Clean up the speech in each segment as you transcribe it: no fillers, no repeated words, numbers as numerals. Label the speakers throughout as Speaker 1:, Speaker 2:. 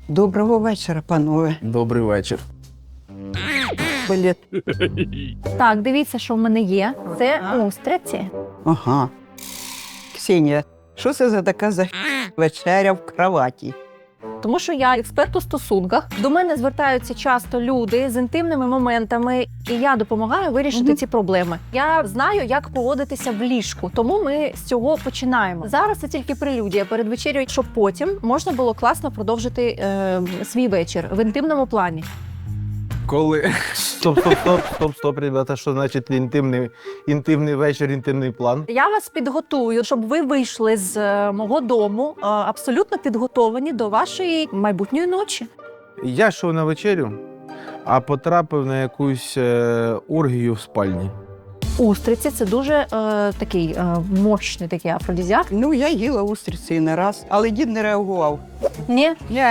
Speaker 1: Доброго вечора, панове.
Speaker 2: Добрий вечір.
Speaker 1: Блін.
Speaker 3: Так, дивіться, що в мене є. Це устриці.
Speaker 1: Ага. Ксенія, що це за така вечеря в кроваті?
Speaker 3: Тому що я експерт у стосунках. До мене звертаються часто люди з інтимними моментами, і я допомагаю вирішити ці проблеми. Я знаю, як поводитися в ліжку, тому ми з цього починаємо. Зараз це тільки прелюдія перед вечерею, щоб потім можна було класно продовжити свій вечір в інтимному плані.
Speaker 2: Коли?
Speaker 4: Стоп, ребята, що значить інтимний вечір, інтимний план?
Speaker 3: Я вас підготую, щоб ви вийшли з мого дому абсолютно підготовані до вашої майбутньої ночі.
Speaker 4: Я йшов на вечерю, а потрапив на якусь оргію в спальні.
Speaker 3: Устриці – це дуже такий мощний такий афродизіак.
Speaker 1: Ну, я їла устриці не раз, але дід не реагував.
Speaker 3: Ні,
Speaker 1: Ні.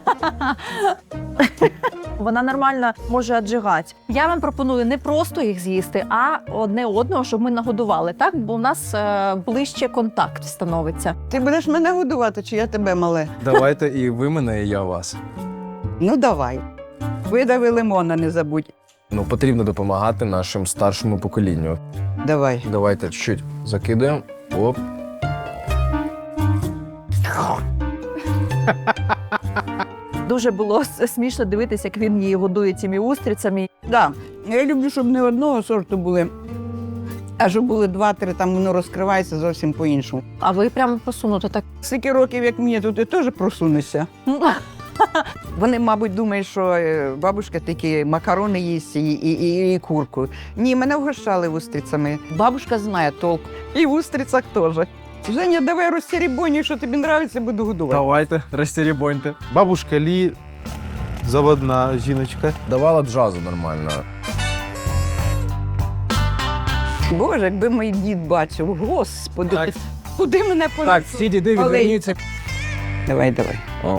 Speaker 3: вона нормально може аджигати. Я вам пропоную не просто їх з'їсти, а одне одного, щоб ми нагодували, так? Бо у нас ближче контакт становиться.
Speaker 1: Ти будеш мене годувати, чи я тебе, мале?
Speaker 2: Давайте і ви мене, і я вас.
Speaker 1: Ну, давай. Видави лимона, не забудь.
Speaker 2: Ну, потрібно допомагати нашому старшому поколінню.
Speaker 1: Давай.
Speaker 2: Давайте чуть-чуть закидаємо. Оп.
Speaker 3: Дуже було смішно дивитися, як він її годує цими устрицями.
Speaker 1: Да. Я люблю, щоб не одного сорту були, а щоб були два-три, там воно розкривається зовсім по-іншому.
Speaker 3: А ви прямо просунуто так.
Speaker 1: Скільки років, як мені, то ти теж просунешся. Вони, мабуть, думають, що бабушка такі макарони їсть і курку. Ні, мене вгощали устрицями. Бабушка знає толк. І в устрицях теж. Женя, давай розсеребонюй, що тобі подобається, буду годувати.
Speaker 2: Давайте, розтеребоньте.
Speaker 4: Бабушка Лі, заводна жіночка.
Speaker 2: Давала джазу нормально.
Speaker 1: Боже, якби мій дід бачив, господи,
Speaker 2: Так.
Speaker 1: куди мене понесло?
Speaker 2: Так, всі діди
Speaker 1: Олень.
Speaker 2: відверніться.
Speaker 1: Давай.
Speaker 2: О.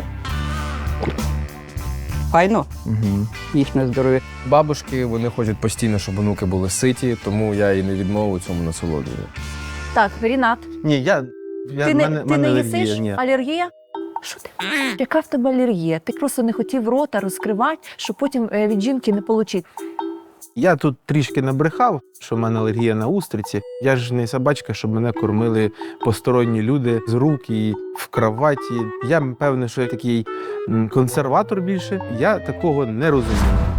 Speaker 1: Файно,
Speaker 2: Угу.
Speaker 1: їхнє здоров'я.
Speaker 2: Бабушки, вони хочуть постійно, щоб онуки були ситі, тому я і не відмовив цьому насолоджую.
Speaker 3: Так, Рінат,
Speaker 4: Ні,
Speaker 3: ти не
Speaker 4: алергія,
Speaker 3: їсиш?
Speaker 4: ні.
Speaker 3: Алергія? Що ти? Яка в тебе алергія? Ти просто не хотів рота розкривати, щоб потім від жінки не отримати.
Speaker 4: Я тут трішки набрехав, що в мене алергія на устриці. Я ж не собачка, щоб мене кормили посторонні люди з рук і в кроваті. Я, певне, що я такий консерватор більше. Я такого не розумію.